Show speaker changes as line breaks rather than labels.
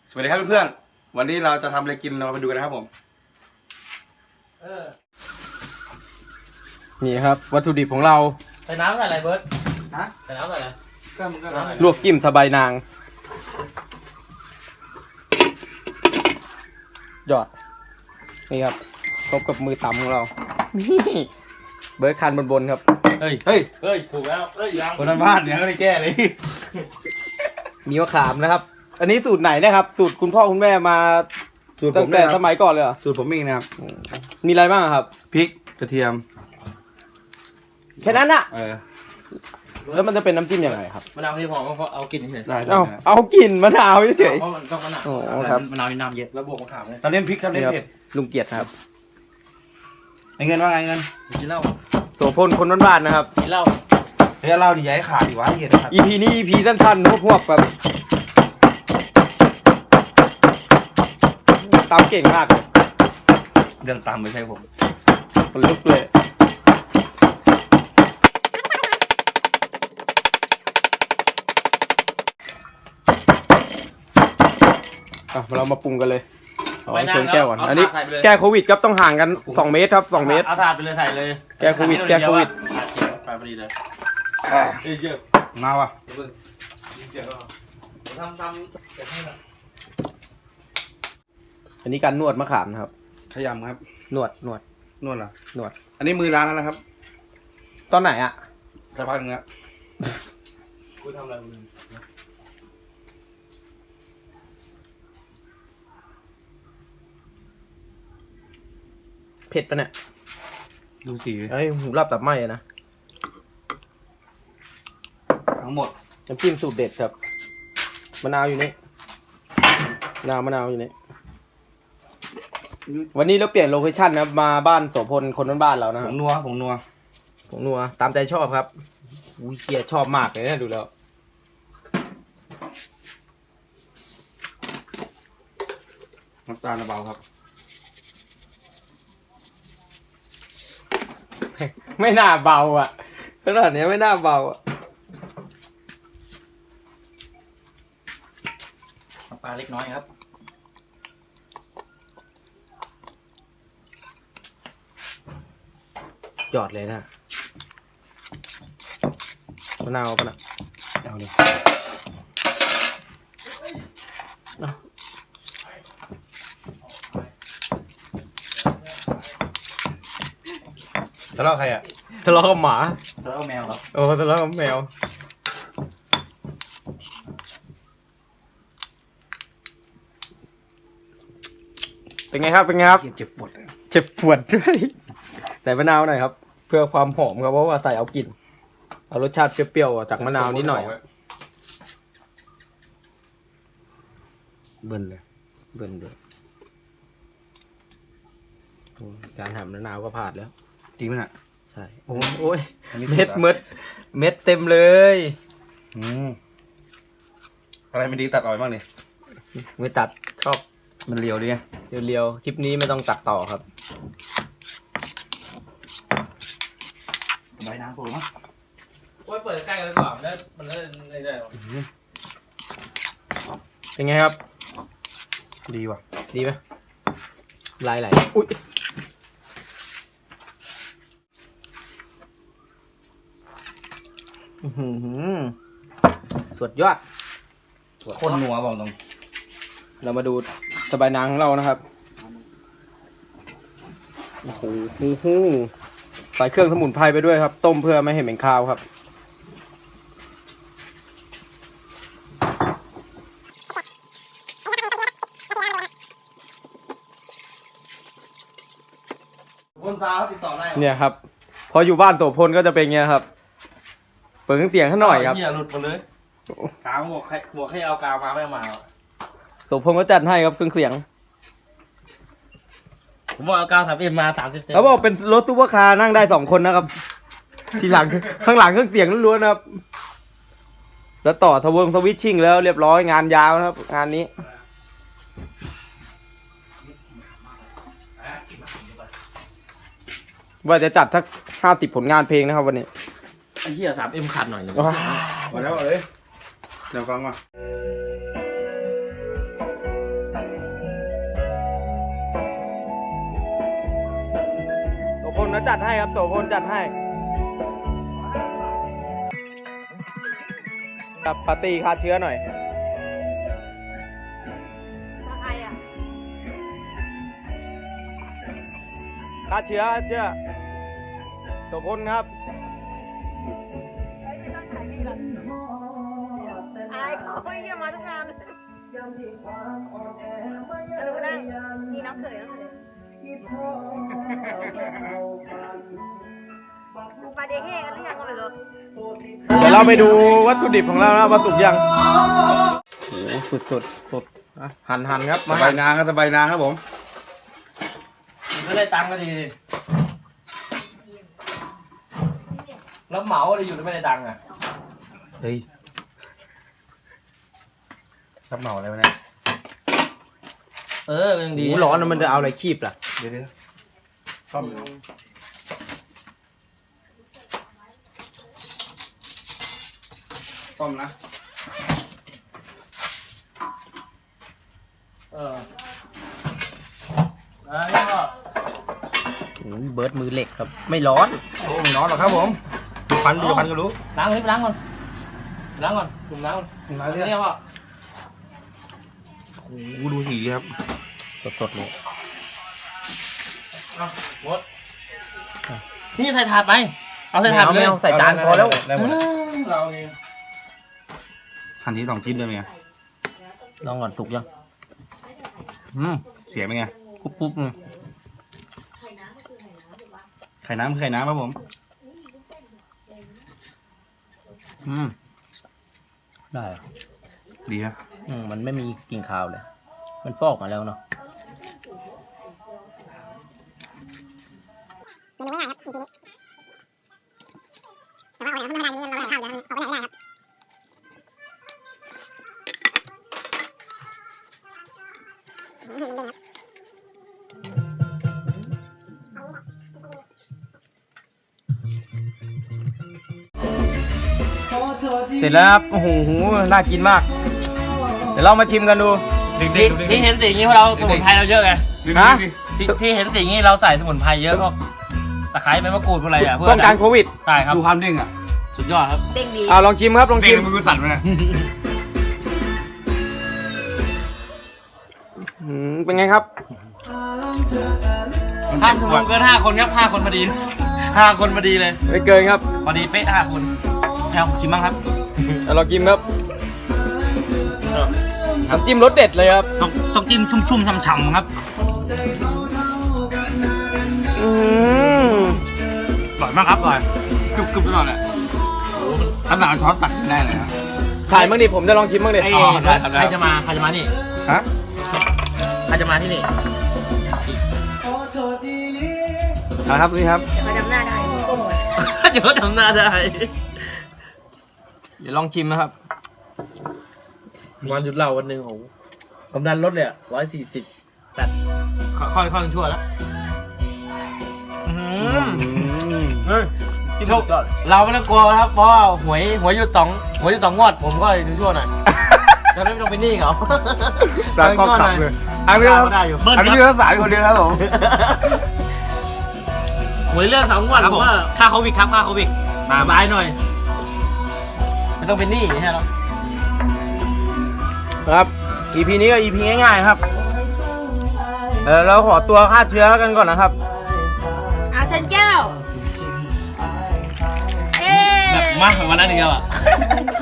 สวัสดีครับเพื่อนๆวันนี้เราจะทำอะไรกินเราไปดูกันนะครับผม
นี่ครับวัตถุดิบของเรา
ใส่น้ำใส่อะไรเบิร์ด
ฮะ
ใส่น้ำใส่อะไร
ก็มันก็
ลวกจิ้มสบายนางยอดนี่ครับครบกับมือตำของเรานี่เบิร์ดคันบนครับ
เฮ้ย
เฮ้ยถูกแล้วเฮ้ยยัง
คนบ้านเนี่ยก็ได้แก้เลย
มีมะขามนะครับ อันนี้สูตรไหนนะครับ สูตรคุณพ่อคุณแม่มา
สูตรผ
ตั้
ม
งแต่
เนี่ย
สมัยก่อนเลยเหรอ
สูตรผมเองนะครับ
มีอะไรบ้างครับ
พริกกระเทียม
แค่นั้นอะ
แล้ว
มันจะเป็นน้ำจิ้มยังไงครับ
มะนาวที่พอเพราะเอากลิ่นเฉย
ได้
เอากลิ่นมะนาวเฉย
เพราะมันต้องมะนาว
โอ้ครับ
มะนาวมีน้ำเยอะแล้วบวกมะขามเลย
ตอนเล่นพริกครับ
ๆ
เล่
นี่
น
ครับ
เผ็ด
ลุงเกียรติครับ
ไอ้เงินว่าไงเงิน
กินเหล้า
โสพลคนบ้านๆนะครับ
กินเหล้า
เฮ้ยเล่าดิอย่าให้ขาดดิวะเหี้ยนะครับ
EP นี้ EP สั้นๆพวกแบบตามเก่งมาก
เรื่องตามไม่ใช่ผม
คนลุกเลยเรามาปรุงกันเลยเอาเติมแก้วก่อนอันนี้แก้โควิดครับต้องห่างกัน2 เมตรครับ2 เมตร
เอาถาดไปเลยใส่เลย
แก้โควิดแก้โควิด
ถาดเขียวไปพอดีเลยเยอะ
มาวะ
เยอะทำเก็บให้หน่อย
อันนี้การนวดมะขามนะครับ
ขยำครับ
นวด
นวดเหรอน
วด
อันนี้มือร้านแล้วนะครับ
ตอนไหนอ่ะ
สักพักนึงแล้ว
กูทำอะไรมึง
เผ็ดปะเนี่ย
ดูสี
เอ้ยหูรับตับไหมอะนะ
ทั้งหมด
น้ำจิ้มสูตรเด็ดครับมะนาวอยู่นี่มะนาวอยู่นี่วันนี้เราเปลี่ยนโลเคชั่นนะครับมาบ้านโสพลคนบ้านๆเรานะ
ผ
ครับ
งนัวผงนัว
ผมนัวตามใจชอบครับอุ้ยเคียชอบมากเลยนะดูแล้ว
น้ำตาลเบาครับ
ไม่น่าเบาอ่ะขนาดนี้ไม่น่าเบาอ่ะ
น้ำปลาเล็กน้อยครับ
หยอดเลยนะมะนาวปะนะ
เอาเลยทะเลาะใครอ่ะ
ทะเลาะกับหมา
แล้วเอาแมวเหรอ
โอ้ทะเลาะกับแมวเป็นไงครับเป็นไงครับ
เหี้ยเจ็บปวดอะ
เจ็บปวดด้วยใส่มะนาวหน่อยครับ เพื่อความหอมครับเพราะว่าใส่เอากลิ่นเอารสชาติเปรี้ยวๆจากมะนาวนิดหน่อย
เบิ่นเลย
เบิ่นด้วยโอ้ยการหั่นมะนาวก็พลาดแล้ว
จริงไหมน่ะ
ใช่โอ้ย
อันนี้
เม็ด
สุดอะ
เม็ดเต็มเลย
อะไรไม่ดีตัดออกบ้างดิ
ไม่ตัดชอบ
มันเรียวดิไง
เรียวๆคลิปนี้ไม่ต้องตัดต่อครับ
ใบน้ำผมมั้ง
โอ้ยเปิดใกล้กันเลยดีกว่ามันได้ไม่ได้หรอก
เป็นไงครับ
ดีว่ะ
ดีไหมลายไหลอุ้ยอื้อหือสุดยอด
คนนัวบอกตรง
เรามาดูสบายนางของเรานะครับโอ้โหใส่เครื่องสมุนไพรไปด้วยครับ ต้มเพื่อไม่ให้เหม็นคาวครับ
คนซาเขาติดต่อได้
เนี่ยครับ พออยู่บ้านโสพลก็จะเป็นเงี้ยครับ เปิดเครื่องเสียงให้หน่อยครับ
เหี้ยหลุดหมดเลยกาวบอกให้เอากาวมาไม่เอามา
โสพลก็จัดให้ครับเครื่องเสียง
ผมบอกเอากาว3Mมา30 เซน
เขาบอกเป็นรถซูเปอร์คาร์นั่งได้2 คนนะครับ ทีหลังข้างหลังเครื่องเสียงล้วนๆนะครับ แล้วต่อสวิตชิ่งแล้วเรียบร้อยงานยาวนะครับ งานนี้ ว่าจะจัดทัก50 ผลงานเพลงนะครับวันนี้
ไอ้เหี้ย3M ขาดหน่อยนึง
หมดแล้วเลยเดี๋ยวฟังมา
แล้วจัดให้ครับโสพลจัดให้ครับปาร์ตี้ฆ่าเชื้อหน่อย
ใครอ่ะ
ฆ่าเชื้อโสพลครับ
อายเขาไม่เยี่ยมมาทุกงานนั่งนี่น้องเขยปลาเดเฮ่กันหรือยังก็ไม่รู้
เดี๋ยวเราไปดูวัตถุดิบของเรานะว่าสุกยังโอ้โหสุดอ่ะหั่นครับ
สบายนางครับสบายนางครับผม
ก็ได้ตังค์ก็ดีแล้วเหมาอะไรอยู่แล้วไม่ได้ตังค์อ่ะ
เฮ้ยรับเหมาอะไรวะเนี่ย
ยัง
ห
ดี
มูร้อนนะมันจะเอาอะไรคีบล่ะ
เดี๋ยวซ่อมอยู่ ซ่อมนะ
แล้วก็
เบิร์ดมือเหล็กครับ ไม่ร้อน
โอ้ไม่น้อนหรอกครับผมดูพันก็รู้
ล้างก่อนจุ่มล้างก่อน
มา
อัน
เรื่อย
นี้ว่า
โอ้โหดูสีครับ
สดเลย
หมดนี่ใส่ถาดไปเอาใส่ถาดไปเลย
ไม่เอาใส่จานพอแล้ว
ได้หมด
เราเอง
หั่นที2 ชิ้นเลยไง
ลองก่อนสุกยัง
เสียไหมไง
ปุ๊บๆ
ไข่น้ำครับผม
ได้
ดีครับ
มันไม่มีกลิ่นคาวเลย มันฟอกมาแล้วเนาะ เสร็จแล้วครับ โอ้โห น่ากินมาก เดี๋ยวเรามาชิมกันดู
ที่เห็นสีนี้เพราะเราสมุนไพรเราเยอะไง
ฮะ
ที่เห็นสีนี้เราใส่สมุนไพรเยอะพวกตะไคร้ใบมะกรูดพวกอะไรอ่ะเพื่
ป้องกันโควิด
ใช่ครับ
ดูความเด้งอ่ะ
สุดยอดครับ
เด้งดี
ลองชิมครับ ลอง
เด้
ชิ
ง
ม
มือสั่นไปนะ
เป็นไงครับ
ห้าชั่วโมงเกิน5 คนครับ5 คนพอดี5 คนพอดีเลย
ไม่เกินครับ
พอดีเป๊ะ5 คนเอากินบ้างครับ
ลองชิมครับน้ำจิ้มรสเด็ดเลยครับ
ต้องจิ้มชุ่มๆฉ่ำๆครับ
อืม
อร่อยมากครับอร่อย
กรึบๆตลอดแหละขนาดช้อนตักกินได้เลยครับ
ถ่ายบ้างดิ ผมจะลองชิมบ้างดิ
ได้ครับได้
ใครจะมานี่
ฮะ
ใครจะมาที่นี่
ครับนี่ครับ
เขาจำหน้าได้ก้ม
เดี๋ยวทำหน้าได้
เดี๋ยวลองชิมนะครับ
วันหยุดเหล้าวันหนึ่งโอ้โหความดันลดเลยอ่ะ140แต่ค่อยๆชั่วแล้วเฮ้ยเราไม่ต้องกลัวครับเพราะว่าหวยหยุด2งวดผมก็ดูชั่วหน่อยจะได้ไม่ต้องเป็นหนี้เขา
ร้านก็ขับเลยอันนี้เรา
ได้อยู่
อันนี้เราสายคนเดียวครับผม
หวยเรื่อง2 งวดผมว่าค่าโควิดครับค่าโควิดสบายหน่อยไม่ต้องเป็นหนี้ใช่หรอ
ครับ EP นี้ก็ EP ง่ายๆครับ เราขอตัวฆ่าเชื้อกันก่อนนะครับ
ชนแก้ว เอ๊
มากกว่าวันนั้นอีกแล้วอ่ะ